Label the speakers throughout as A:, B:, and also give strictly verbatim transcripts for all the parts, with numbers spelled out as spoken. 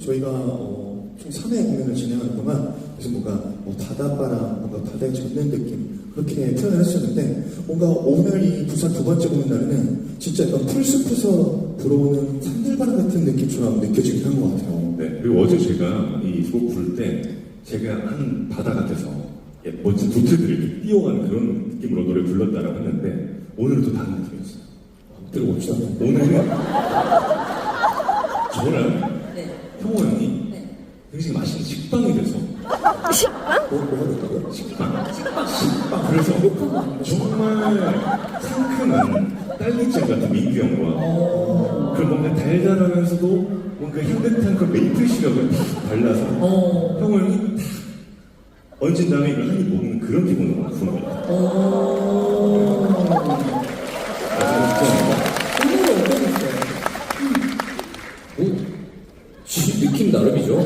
A: 저희가 어, 총 삼 회 공연을 진행하는 동안 그래서 뭔가 뭐 바닷바람, 뭔가 바다에 젖는 느낌 그렇게 표현을 했었는데 뭔가 오늘 이 부산 두 번째 공연 날에는 진짜 약간 풀숲에서 불어오는 산들바람 같은 느낌처럼 느껴지긴 한 것 같아요.
B: 네, 그리고 어제 제가 이 곡 부를 때 제가 한 바다 같아서 예, 멋진 도트들이 이렇게 뛰어가는 그런 느낌으로 노래 불렀다라고 했는데 오늘은 또 다른 느낌이었어요.
A: 들어봅시다.
B: 오늘은 저랑
C: 네.
B: 형호 형이
C: 네.
B: 굉장히 맛있는 식빵이 돼서
A: 뭐, 뭐가 됐다고요?
B: 식빵 식빵 그래서 정말 상큼한 딸기잼 같은 민규 형과 그런 뭔가 달달하면서도 뭔가 향긋한 그 메이플 시럽을 탁 발라서
C: 어.
B: 형호 형이 탁 얹은 다음에 이걸 한 입 먹는 그런 기분으로 부른 것 같아요.
C: 오.
B: 아, 진짜
C: 오늘은 어떠셨어요?
D: 뭐, 지- 느낌 나름이죠.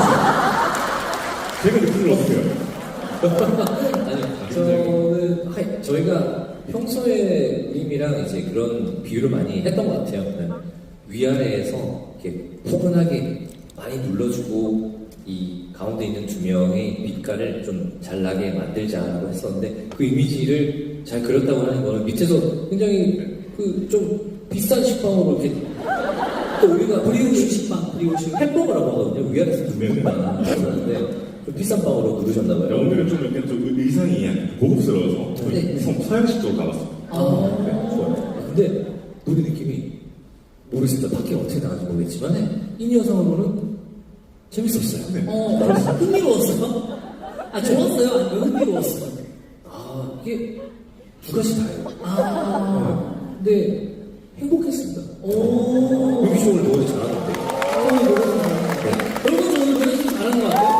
B: 제가 느낌을 어떻게 해요?
D: 아니, 저는, 하이, 저희가 평소에 우림이랑 이제 그런 비유를 많이 했던 것 같아요. 그냥 위아래에서 이렇게 포근하게 많이 눌러주고, 이 가운데 있는 두 명의 빛깔을 좀 잘 나게 만들자고 했었는데, 그 이미지를 잘 그렸다고 하는 거는 밑에서 굉장히 그 좀 비싼 식빵으로 이렇게 또 우리가
C: 브리오시 식빵, 브리오시.
D: 햄버거라고 하거든요. 위아래에서 두 명만 그러는데 좀 비싼 빵으로 누르셨나봐요.
B: 오늘은 좀 이렇게 좀 의상이 약간 고급스러워서 저희
C: 네.
B: 서- 서양식 쪽으로 가봤어요.
C: 아.
D: 네, 좋아요. 근데 노래 느낌이 모르겠습니다. 밖에 어떻게 나가는지 모르겠지만 이 영상으로는 재밌었어요.
B: 네.
C: 어, 흥미로웠어요? 아, 좋았어요? 아니면 흥미로웠어요?
D: 아 이게 두 가지 다예요.
C: 아.
D: 근데 행복했습니다.
C: 오.
D: 유기 씨 오늘 노래 잘하던데.
C: 어, 노래 좀 잘하는 여러분, 저 오늘 노래 좀 잘하는 것 같아요?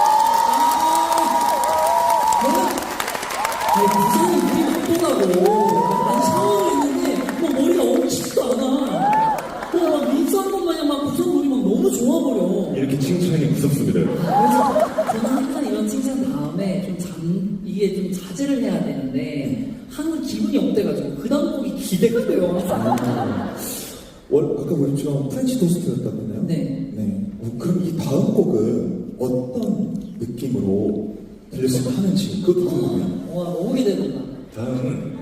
C: 아. 저는, 아니, 부산이 물이 맑더라고. 아니, 샤워를 했는데, 뭐 머리가 엉키지도 않아. 뭐, 막 민수한 것 마냥 막 부산 물이 막 너무 좋아버려.
B: 이렇게 칭찬이 무섭습니다. 여러분.
C: 그래서 저는 항상 이런 칭찬 다음에 좀 잠, 이게 좀 자제를 해야 되는데, 항상 기분이 업돼가지고, 그 다음 곡이 기대가 돼요, 항상.
A: 월, 아까 우리처럼 프렌치 토스트였다고 했나요?
C: 네.
A: 네. 어, 그럼 이 다음 곡은 어떤 느낌으로 들렸으면 하는지 그것도 궁금해요.
C: 와, 너무 기대된다.
B: 다음은